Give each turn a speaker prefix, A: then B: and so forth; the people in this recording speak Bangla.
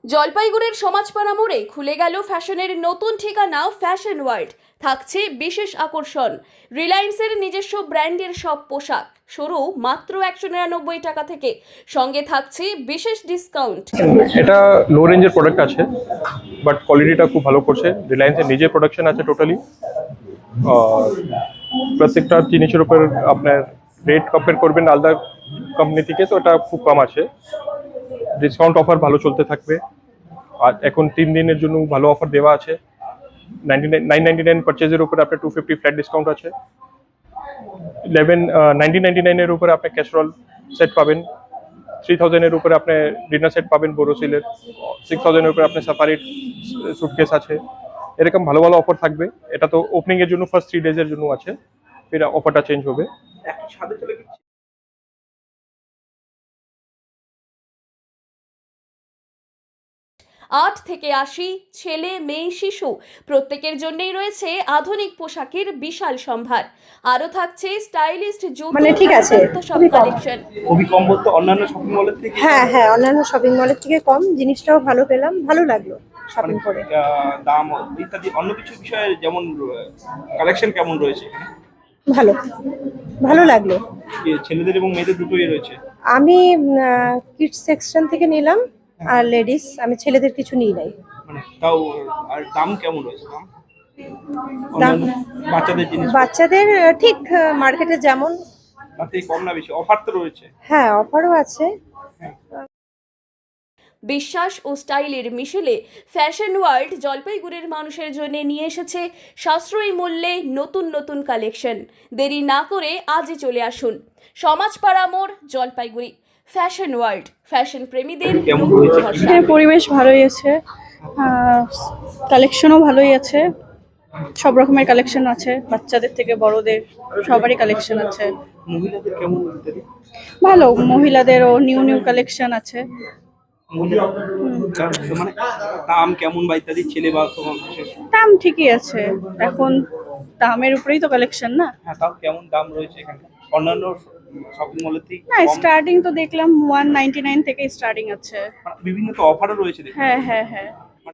A: জলপাইগুড়ির সমাজপাড়া মোড়ে খুলে গেল ফ্যাশনের নতুন ঠিকানা ফ্যাশন ওয়ার্ল্ড। থাকছে বিশেষ আকর্ষণ, রিলায়েন্সের নিজস্ব ব্র্যান্ডের সব পোশাক শুরু মাত্র 199 টাকা থেকে, সঙ্গে থাকছে বিশেষ ডিসকাউন্ট।
B: এটা লো রেঞ্জের প্রোডাক্ট আছে, বাট কোয়ালিটিটা খুব ভালো করছে। রিলায়েন্সের নিজের প্রোডাকশন আছে টোটালি। প্রত্যেকটা জিনিসের উপর আপনার রেট কম্পেয়ার করবেন আলাদা কোম্পানি থেকে, তো এটা খুব কম আছে। ডিসকাউন্ট অফার ভালো চলতে থাকবে। আর এখন 3 দিনের জন্য ভালো অফার দেওয়া আছে। 999 পারচেজের উপর আপনার 250 ফ্ল্যাট ডিসকাউন্ট আছে। 1999 এর উপরে আপনি ক্যাসরোল সেট পাবেন। 3000 এর উপরে আপনি ডিনার সেট পাবেন বোরোসিলের। 6000 এর উপরে আপনি সাফারির সুটকেস আছে। এরকম ভালো ভালো অফার থাকবে। এটা তো ওপেনিং এর জন্য ফার্স্ট 3 ডেজের জন্য আছে, ফির অফারটা চেঞ্জ হবে।
C: একই সাথে চলে গেছে।
A: 8 থেকে 80 ছেলে মেয়ে শিশু প্রত্যেকের জন্যই রয়েছে আধুনিক পোশাকের বিশাল সম্ভার। আরো থাকছে স্টাইলিস্ট জুতো,
D: মানে ঠিক আছে,
A: সব কালেকশন।
C: খুবই কম বলতে অন্যান্য শপিং মলের থেকে।
D: হ্যাঁ হ্যাঁ, অন্যান্য শপিং মলের থেকে কম, জিনিসটাও ভালো পেলাম, ভালো লাগলো শপিং করে।
C: দাম ইত্যাদি অন্য কিছু বিষয়ে যেমন কালেকশন কেমন রয়েছে এখানে?
D: ভালো ভালো লাগলো।
C: ছেলেদের এবং মেয়েদের দুটোই রয়েছে।
D: আমি কিডস সেকশন থেকে নিলাম, আর লেডিস, আমি ছেলেদের কিছু নিই নাই।
C: মানে তাও আর দাম কেমন রয়েছে? দাম
D: দাম
C: অন্যান্য বাচ্চাদের জিনিস
D: বাচ্চাদের ঠিক মার্কেটে যেমন।
C: তাতে কম না বেশি? অফার তো রয়েছে।
D: হ্যাঁ, অফারও আছে।
A: বিশ্বাস ও স্টাইলের মিশেলে ফ্যাশন ওয়ার্ল্ড জলপাইগুড়ির মানুষের জন্য নিয়ে এসেছে সাশ্রয়ী মূল্যে নতুন নতুন কালেকশন। দেরি না করে আজই চলে আসুন সমাজপাড়া মোড়, জলপাইগুড়ি। ফ্যাশন ওয়ার্ল্ড, ফ্যাশন প্রেমীদের নতুন ভরসা।
E: এখানে পরিবেশ ভালোই আছে, কালেকশনও ভালোই আছে, সব রকমের কালেকশন আছে, বাচ্চাদের থেকে বড়দের সবারই কালেকশন আছে।
C: মহিলাদের কেমন ইত্যাদি?
E: ভালো, মহিলাদেরও নিউ নিউ কালেকশন আছে।
C: মানে দাম কেমন বা ইত্যাদি ছেলে বা তোমার বিশেষ?
E: দাম ঠিকই আছে, এখন দামের উপরেই তো কালেকশন না।
C: হ্যাঁ, তাও কেমন দাম রয়েছে এখানে অন্যান্য শপিং মলের থেকে?
E: না, স্টার্টিং তো দেখলাম 199 থেকে স্টার্টিং আছে।
C: বিভিন্ন তো অফারও রয়েছে দেখি।
E: হ্যাঁ হ্যাঁ হ্যাঁ।